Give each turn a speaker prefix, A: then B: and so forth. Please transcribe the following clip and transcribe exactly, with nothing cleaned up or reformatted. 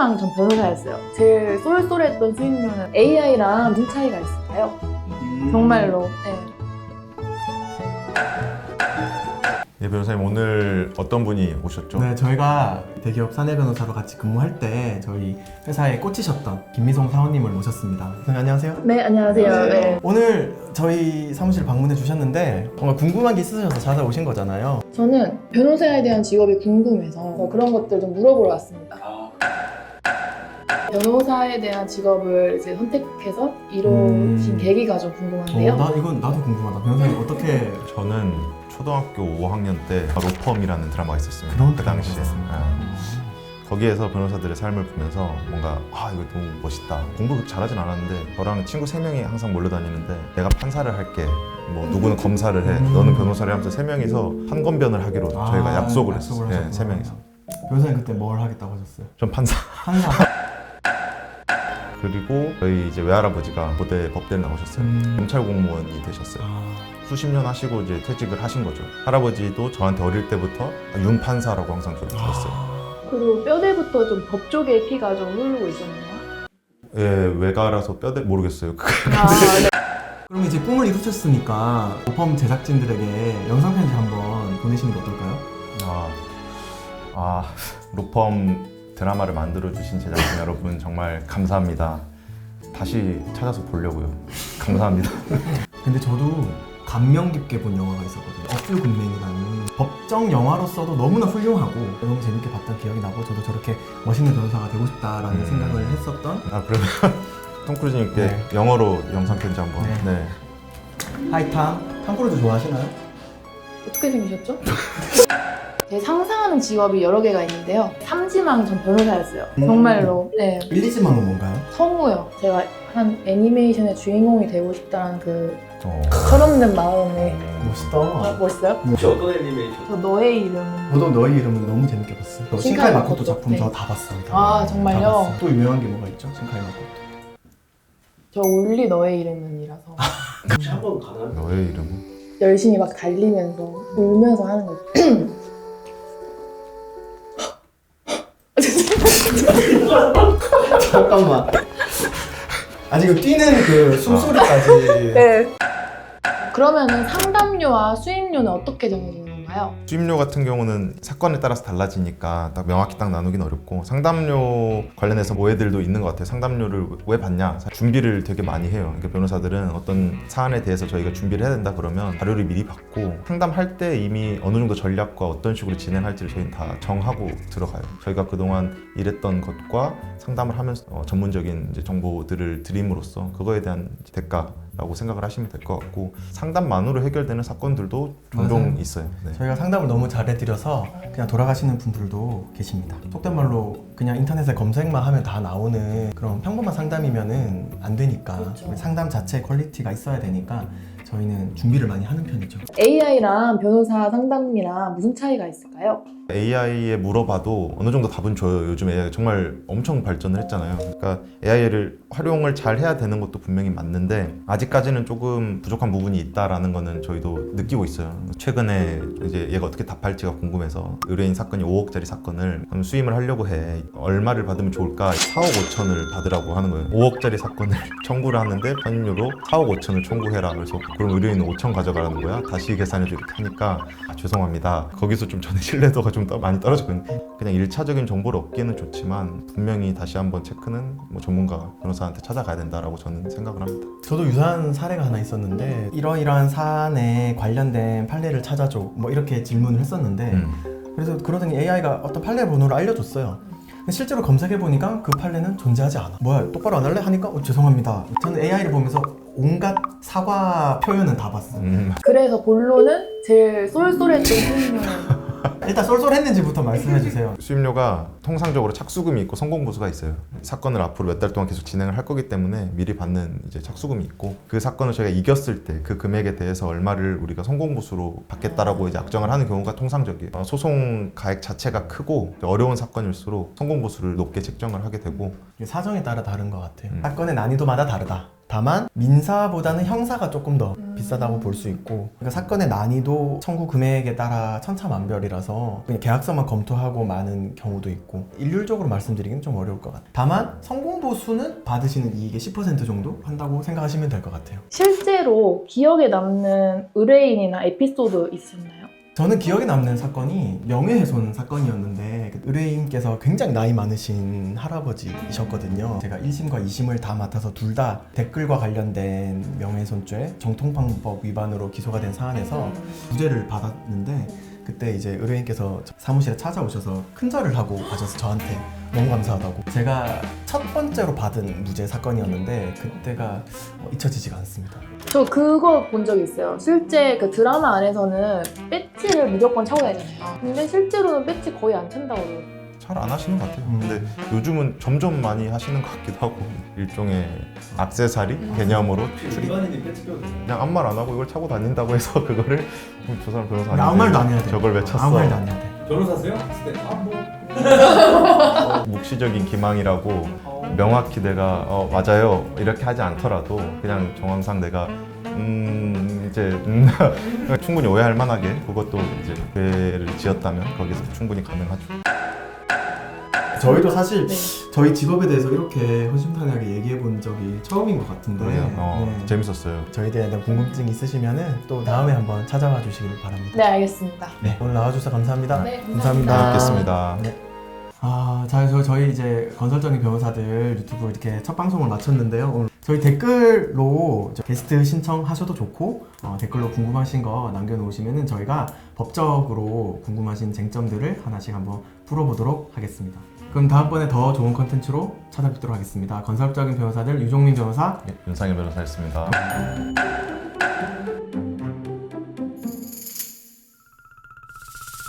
A: 삼지망 전 변호사였어요. 제일 쏠쏠했던 수익률은 에이아이랑 무슨 차이가 있을까요?
B: 음.
A: 정말로. 네.
C: 예, 변호사님 오늘 어떤 분이 오셨죠?
B: 네, 저희가 대기업 사내 변호사로 같이 근무할 때 저희 회사에 꽂히셨던 김미성 사원님을 모셨습니다. 선생님 안녕하세요.
A: 네, 안녕하세요. 네.
B: 오늘 저희 사무실 방문해 주셨는데 정말 궁금한 게 있으셔서 찾아오신 거잖아요.
A: 저는 변호사에 대한 직업이 궁금해서 그런 것들 좀 물어보러 왔습니다. 변호사에 대한 직업을 이제 선택해서 이루어진
B: 음.
A: 계기가 좀 궁금한데요.
B: 어, 나 이건 나도 궁금하다. 변호사님 어떻게
C: 저는 초등학교 오 학년 때 로펌이라는 드라마가 있었습니다.
B: 그런
C: 그 당시에.
B: 있었습니까?
C: 예. 거기에서 변호사들의 삶을 보면서 뭔가 아 이거 너무 멋있다. 공부 그렇게 잘하진 않았는데 저랑 친구 세 명이 항상 몰려다니는데 내가 판사를 할게. 뭐 누구는 검사를 해.
B: 음.
C: 너는 변호사를 하면서 세 명이서 판검변을 하기로
B: 아,
C: 저희가 약속을
B: 약속을
C: 했어요. 예,
B: 하셨구나.
C: 세 명이서.
B: 변호사님 그때 뭘 하겠다고 하셨어요?
C: 전 판사.
B: 판사.
C: 그리고 저희 이제 외할아버지가 고대 법대를 나오셨어요.
B: 음.
C: 경찰 공무원이 되셨어요.
B: 아,
C: 수십 년 하시고 이제 퇴직을 하신 거죠. 할아버지도 저한테 어릴 때부터 윤판사라고 항상 저를 불렀어요.
A: 그리고 뼈대부터 좀 법 쪽의 피가 좀 흐르고 있었네요.
C: 예, 외가라서 뼈대 모르겠어요.
A: 아, 네.
B: 그럼 이제 꿈을 이루셨으니까 로펌 제작진들에게 영상 편지 한번 보내시는 게 어떨까요?
C: 아, 아 로펌 드라마를 만들어 주신 제작진 여러분 정말 감사합니다. 다시 찾아서 보려고요. 감사합니다.
B: 근데 저도 감명 깊게 본 영화가 있었거든요. 어플 굿맨이라는 법정 영화로서도 너무나 훌륭하고 너무 재밌게 봤던 기억이 나고 저도 저렇게 멋있는 변호사가 되고 싶다라는
C: 음.
B: 생각을 했었던
C: 아 그러면 톰 크루즈님께
B: 네.
C: 영어로 영상 편지 한번.
B: 네.
C: 네.
B: 하이탐. 탐 크루즈 좋아하시나요?
A: 어떻게 생기셨죠? 제 상상하는 직업이 여러 개가 있는데요. 삼지망 전 변호사였어요.
B: 음.
A: 정말로. 네.
B: 일리지망은 뭔가요?
A: 성우요. 제가 한 애니메이션의 주인공이 되고 싶다는 그
C: 어.
A: 철없는 마음에.
C: 음.
B: 멋있다.
A: 아, 멋있어요?
D: 혹시 어떤 애니메이션?
A: 저 너의 이름은.
B: 저도 너의 이름은 너무 재밌게 봤어요. 저
A: 신카이
B: 신카이 마코토
A: 마코토?
B: 작품
A: 네.
B: 저 다 봤어요. 다.
A: 아, 정말요?
B: 다 봤어요. 또 유명한 게 뭐가 있죠? 신카이 마코토.
A: 저 올리 너의 이름은이라서
D: 혹시 한번 가나요?
C: 너의 이름은?
A: 열심히 막 달리면서 울면서 하는 거죠.
B: 잠깐만. 아 지금 뛰는 그 숨소리까지.
A: 네. 그러면은 상담료와 수임료는 어떻게 정해지는 건가요?
C: 수임료 같은 경우는 사건에 따라서 달라지니까 딱 명확히 딱 나누긴 어렵고 상담료 관련해서 오해들도 있는 것 같아요. 상담료를 왜 받냐? 준비를 되게 많이 해요. 그러니까 변호사들은 어떤 사안에 대해서 저희가 준비를 해야 된다 그러면 자료를 미리 받고 상담할 때 이미 어느 정도 전략과 어떤 식으로 진행할지를 저희는 다 정하고 들어가요. 저희가 그동안 일했던 것과 상담을 하면서 어, 전문적인 이제 정보들을 드림으로써 그거에 대한 대가라고 생각을 하시면 될 것 같고 상담만으로 해결되는 사건들도 종종
B: 맞아요.
C: 있어요. 네.
B: 저희가 상담을 너무 잘해드려서 그냥 돌아가시는 분들도 계십니다. 속된 말로 그냥 인터넷에 검색만 하면 다 나오는 그런 평범한 상담이면은 안 되니까
A: 그렇죠.
B: 상담 자체의 퀄리티가 있어야 되니까 저희는 준비를 많이 하는 편이죠.
A: 에이아이랑 변호사 상담이랑 무슨 차이가 있을까요?
C: 에이아이에 물어봐도 어느 정도 답은 줘요. 요즘 에이아이가 정말 엄청 발전을 했잖아요. 그러니까 에이아이를 활용을 잘 해야 되는 것도 분명히 맞는데 아직까지는 조금 부족한 부분이 있다라는 거는 저희도 느끼고 있어요. 최근에 이제 얘가 어떻게 답할지가 궁금해서 의뢰인 사건이 오억짜리 사건을 수임을 하려고 해. 얼마를 받으면 좋을까? 사억 오천을 받으라고 하는 거예요. 오억짜리 사건을 청구를 하는데 선임료로 사억 오천을 청구해라. 그래서 그럼 의뢰인은 오천 가져가라는 거야? 다시 계산해줘 이렇게 하니까 아, 죄송합니다. 거기서 좀 저는 신뢰도가 좀 많이 떨어졌거든요. 그냥 일차적인 정보를 얻기는 좋지만 분명히 다시 한번 체크는 뭐 전문가 변호사한테 찾아가야 된다라고 저는 생각을 합니다.
B: 저도 유사한 사례가 하나 있었는데 이러이러한 사안에 관련된 판례를 찾아줘 뭐 이렇게 질문을 했었는데
C: 음.
B: 그래서 그러더니 에이아이가 어떤 판례 번호를 알려줬어요. 근데 실제로 검색해보니까 그 판례는 존재하지 않아. 뭐야 똑바로 안 할래? 하니까 어, 죄송합니다. 저는 에이아이를 보면서 온갖 사과 표현은 다 봤어요.
C: 음.
A: 그래서 본론은 제일 쏠쏠했던 수임료는
B: 일단 쏠쏠했는지부터 말씀해주세요.
C: 수임료가 통상적으로 착수금이 있고 성공보수가 있어요. 사건을 앞으로 몇 달 동안 계속 진행을 할 거기 때문에 미리 받는 이제 착수금이 있고 그 사건을 저희가 이겼을 때 그 금액에 대해서 얼마를 우리가 성공보수로 받겠다라고 이제 악정을 하는 경우가 통상적이에요. 어, 소송 가액 자체가 크고 어려운 사건일수록 성공보수를 높게 책정을 하게 되고
B: 이게 사정에 따라 다른 것 같아요.
C: 음.
B: 사건의 난이도마다 다르다. 다만 민사보다는 형사가 조금 더
A: 음.
B: 비싸다고 볼 수 있고, 그러니까 사건의 난이도 청구 금액에 따라 천차만별이라서 그냥 계약서만 검토하고 마는 경우도 있고 일률적으로 말씀드리기는 좀 어려울 것 같아요. 다만 성공보수는 받으시는 이익의 십 퍼센트 정도 한다고 생각하시면 될 것 같아요.
A: 실제로 기억에 남는 의뢰인이나 에피소드 있었나요?
B: 저는 기억에 남는 사건이 명예훼손 사건이었는데 그 의뢰인께서 굉장히 나이 많으신 할아버지이셨거든요. 제가 일 심과 이 심을 다 맡아서 둘 다 댓글과 관련된 명예훼손죄 정통방법 위반으로 기소가 된 사안에서 무죄를 받았는데, 그때 이제 의뢰인께서 사무실에 찾아오셔서 큰절을 하고 가셔서 저한테 너무 감사하다고. 제가 첫 번째로 받은 무죄 사건이었는데 그때가 잊혀지지가 않습니다.
A: 저 그거 본 적이 있어요. 실제 그 드라마 안에서는 배지를 무조건 차고 다니잖아요. 근데 실제로는 배지 거의 안 찬다고 그러더라고요.
C: 잘 안 하시는 것 같아요.
B: 음.
C: 근데 요즘은 점점 많이 하시는 것 같기도 하고 일종의 액세서리
A: 음.
C: 개념으로
D: 일반인이 배치 껴도 돼요?
C: 그냥 아무 말 안 하고 이걸 차고 다닌다고 해서 그거를 어, 저 사람 변호사
B: 아무 말도 안 해야 돼.
C: 저걸 왜 찼어?
B: 아무 말도 안 해야 돼.
D: 변호사세요? 했을 때 아 뭐.
C: 묵시적인 기망이라고 명확히 내가 어, 맞아요 이렇게 하지 않더라도 그냥 정황상 내가 음 이제 음, 충분히 오해할 만하게 그것도 이제 죄를 지었다면 거기서 충분히 가능하죠.
B: 저희도 사실
A: 네.
B: 저희 직업에 대해서 이렇게 허심탄회하게 얘기해 본 적이 처음인 것 같은데
C: 그래요. 어,
B: 네.
C: 재밌었어요.
B: 저희에 대한 궁금증 있으시면은 또 다음에 한번 찾아와 주시길 바랍니다.
A: 네, 알겠습니다.
B: 네, 오늘 나와주셔서 감사합니다.
A: 네,
B: 감사합니다.
A: 감사합니다.
C: 뵙겠습니다.
B: 네. 아, 자, 저, 저희 이제 건설적인 변호사들 유튜브 이렇게 첫 방송을 마쳤는데요. 오늘 저희 댓글로 저 게스트 신청하셔도 좋고, 어, 댓글로 궁금하신 거 남겨놓으시면은 저희가 법적으로 궁금하신 쟁점들을 하나씩 한번 풀어보도록 하겠습니다. 그럼 다음번에 더 좋은 컨텐츠로 찾아뵙도록 하겠습니다. 건설적인 변호사들 유종민 변호사.
C: 네, 윤상현 변호사였습니다.